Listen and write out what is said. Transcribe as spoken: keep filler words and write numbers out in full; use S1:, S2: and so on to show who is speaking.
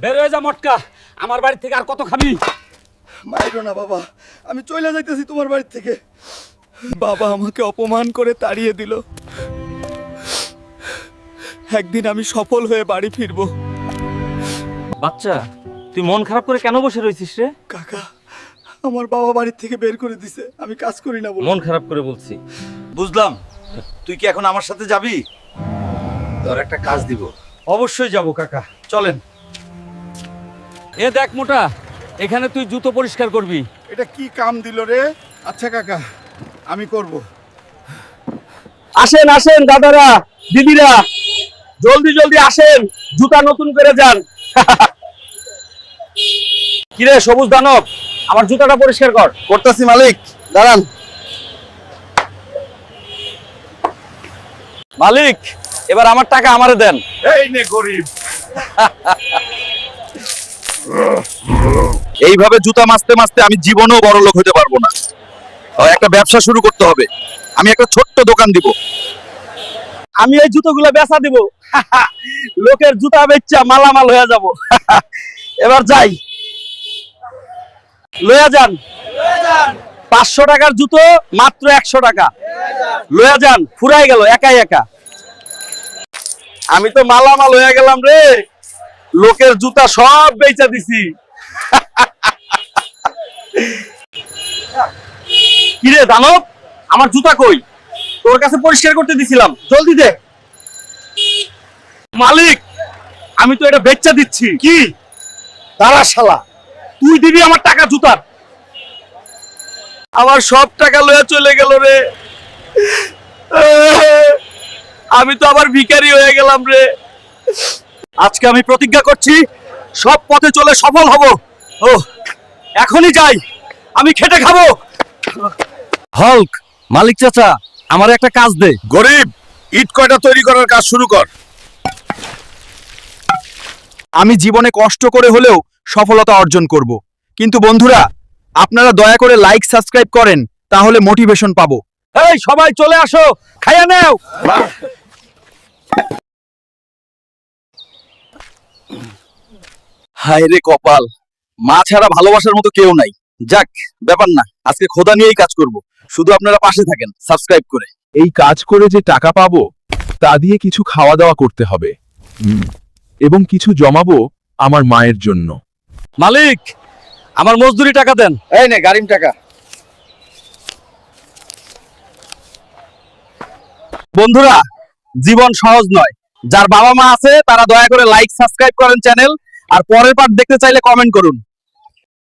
S1: বের হয়ে যা মটকা, আমার বাড়ি থেকে আর কত খাবি?
S2: মাইরো না বাবা, আমি চলে যাইতেছি তোমার বাড়ি থেকে। বাবা আমাকে অপমান করে তাড়িয়ে দিল। একদিন আমি সফল হয়ে বাড়ি ফিরবো।
S1: বাচ্চা, তুই মন খারাপ করে কেন বসে রয়েছিস রে?
S2: কাকা, আমার বাবা বাড়ি থেকে বের করে দিছে, আমি কাজ করি না বলে।
S1: মন খারাপ করে বলছি।
S3: বুঝলাম, তুই কি এখন আমার সাথে যাবি? তোর একটা কাজ দিব।
S1: অবশ্যই যাব কাকা, চলেন। এ দেখ মোটা, এখানে তুই জুতো পরিষ্কার করবি।
S2: এটা কি কাম দিল রে? আচ্ছা কাকা, আমি করব।
S1: আসেন আসেন দাদারা, দিদিরা, জলদি জলদি আসেন, জুতা নতুন করে যান। কিরে সবুজ দানব, আমার জুতাটা পরিষ্কার কর।
S3: করতেছি মালিক, দাঁড়ান।
S1: মালিক, এবার আমার টাকা আমারে দেন।
S3: এই নে গরিব। এইভাবে জুতা মাজতে মাজতে আমি জীবনেও বড় লোক হতে পারবো না। ও, একটা ব্যবসা শুরু করতে হবে। আমি একটা ছোট্ট দোকান দিব।
S1: আমি এই জুতোগুলো বেচা দিব। লোকের জুতা বেচা মালামাল হয়ে যাব। এবার যাই, লয়া যান। পাঁচশো টাকার জুতো মাত্র একশো টাকা। লয়া যান, ফুরাই গেল একাই একা। আমি তো মালামাল হয়ে গেলাম রে, লোকের জুতা সব বেচা দিছি। কিরে দানব, আমার জুতা কই? তোর কাছে পরিষ্কার করতে দিছিলাম, জলদি দে। মালিক, আমি তো এটা বেচা দিচ্ছি। কি দাঁড়া শালা, তুই দিবি আমার টাকা জুতার। আমার সব টাকা লয়ে চলে গেল রে। আমি তো আবার ভিখারি হয়ে গেলাম রে। আজকে আমি প্রতিজ্ঞা করছি, সব পথে চলে সফল হব। ও, এখনই যাই, আমি খেটে খাবো। হল্ক, মালিক চাচা, আমার একটা কাজ দে।
S3: গরিব, ইট কয়টা তৈরি করার কাজ শুরু কর। আমি জীবনে কষ্ট করে হলেও সফলতা অর্জন করব, কিন্তু বন্ধুরা, আপনারা দয়া করে লাইক সাবস্ক্রাইব করেন, তাহলে মোটিভেশন পাবো।
S1: এই সবাই চলে আসো, খাইয়া নেও।
S3: হায় রে কপাল, মা ছাড়া ভালোবাসার মতো কেউ নাই। যাক, ব্যাপার না, আজকে খোদা নিয়েই কাজ করব। শুধু আপনারা পাশে থাকেন সাবস্ক্রাইব করে।
S4: এই কাজ করে যে টাকা পাবো তা দিয়ে কিছু খাওয়া দাওয়া করতে হবে, হুম, এবং কিছু জমাবো আমার মায়ের জন্য।
S1: মালিক, আমার মজদুরি টাকা দেন।
S3: এই নে গাড়ির টাকা।
S1: বন্ধুরা, জীবন সহজ নয়। যার বাবা মা আছে তারা দয়া করে লাইক সাবস্ক্রাইব করেন চ্যানেল, আর পরের পার্ট দেখতে চাইলে কমেন্ট করুন।